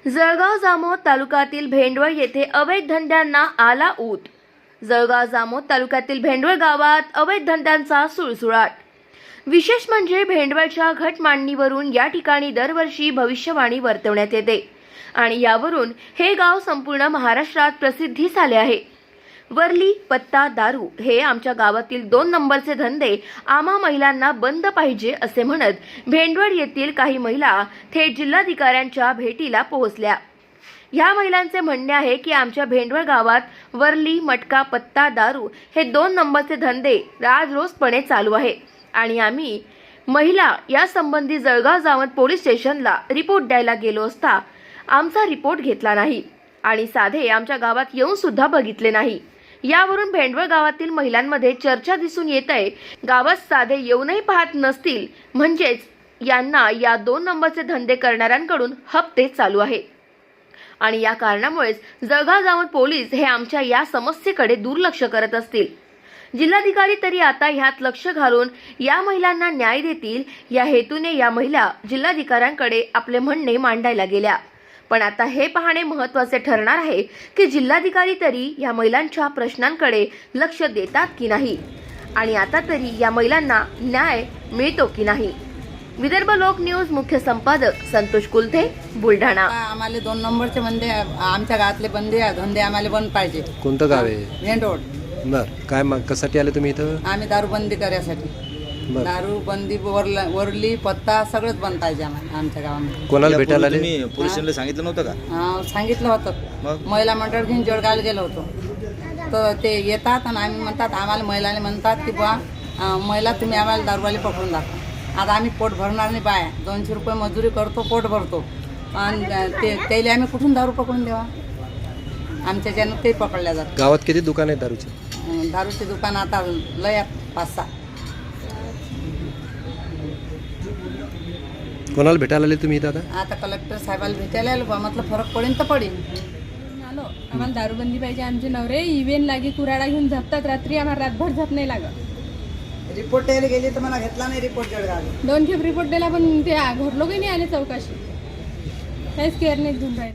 जळगाव जामोद तालुक्यातील भेंडवळ येथे अवैध धंद्यांना आला ऊत। जळगाव जामोद तालुक्यातील भेंडवळ गावात अवैध धंद्यांचा सुळसुळाट। विशेष म्हणजे भेंडवळच्या घटमांडणीवरून या ठिकाणी दरवर्षी भविष्यवाणी वर्तवण्यात येते आणि यावरून हे गाव संपूर्ण महाराष्ट्रात प्रसिद्धीस आले आहे। वरली पत्ता दारू हे आमच्या गावातील 2 नंबरचे धंदे आम्हा महिलांना बंद पाहिजे असे म्हणत भेंडवळ येथील काही महिला थेट जिल्हाधिकाऱ्यांच्या भेटीला पोहोचल्या। या महिलांचे म्हणणे आहे की आमच्या भेंडवळ गावात वरली मटका पत्ता दारू हे 2 नंबरचे धंदे राजरोसपणे चालू आहे आणि आम्ही महिला या संबंधी जळगाव जामोद पोलीस स्टेशनला रिपोर्ट द्यायला गेलो असता आमचा रिपोर्ट घेतला नाही आणि साधे आमच्या गावात येऊन सुद्धा बघितले नाही। यावरून भेंडवळ गावातील महिलांमध्ये चर्चा दिसून येत आहे। गावात साधे येऊनही पाहत नसतील म्हणजेच यांना या 2 नंबरचे धंदे करणाऱ्यांकडून हप्ते चालू आहे आणि या कारणामुळेच जळगाव जामोद पोलीस हे आमच्या या समस्येकडे दुर्लक्ष करत असतील। जिल्हाधिकारी तरी आता ह्यात लक्ष घालून या महिलांना न्याय देतील या हेतूने या महिला जिल्हाधिकाऱ्यांकडे आपले म्हणणे मांडायला गेल्या। पण आता हे पाहणे महत्त्वाचे ठरणार आहे की जिल्हाधिकारी तरी या महिलांच्या प्रश्नांकडे लक्ष देतात की नाही आणि आता तरी या महिलांना न्याय मिळतो की नाही। विदर्भ लोक न्यूज मुख्य संपादक संतोष कुलथे, बुलढाणा। आम्हाला 2 नंबरचे बंदे आमच्या गावातले धंदे आम्हाला बंद पाहिजे। कोणतं गाव आहे? भेंडवळ। बर, काय कशासाठी आले तुम्ही इथं? आम्ही दारू बंदी करण्यासाठी। दारू बंदी वरली पत्ता सगळंच बंद पाहिजे आमच्या गावामध्ये। कोणाला भेटायला आले? तुम्ही पोलीस स्टेशनला सांगितलं नव्हतं का? सांगितलं होतं। महिला मंडळ घेऊन जळगावला गेलो होतो तर ते येतात आणि आम्ही म्हणतात आम्हाला महिलाने म्हणतात की बा महिला तुम्ही आम्हाला दारूवाली पकडून दाखवा। आता आम्ही पोट भरणार नाही, बाया 200 रुपये मजुरी करतो, पोट भरतो आणि त्याला आम्ही कुठून दारू पकडून देवा? आमच्या ज्यानं ते पकडल्या जातात। गावात किती दुकान आहे दारूचे? दारूचे दुकान आता लय 5-6। कोणाला भेटायला आले तुम्ही इथं? आता कलेक्टर साहेबाला भेटायला आलो बा, म्हटलं फरक पडेल तर पडेल। आलो आम्हाला दारूबंदी पाहिजे। आमचे नवरे इव्हेन लागे कुराडा घेऊन झपतात, रात्री आम्हाला रातभर झप नाही लागत। रिपोर्ट द्यायला गेली तर मला घेतला नाही रिपोर्ट जळगाव। 2 खेप रिपोर्ट दिला पण ते घरलोकही नाही आले चौकशी, काहीच केअर नाही घेऊन राहिले।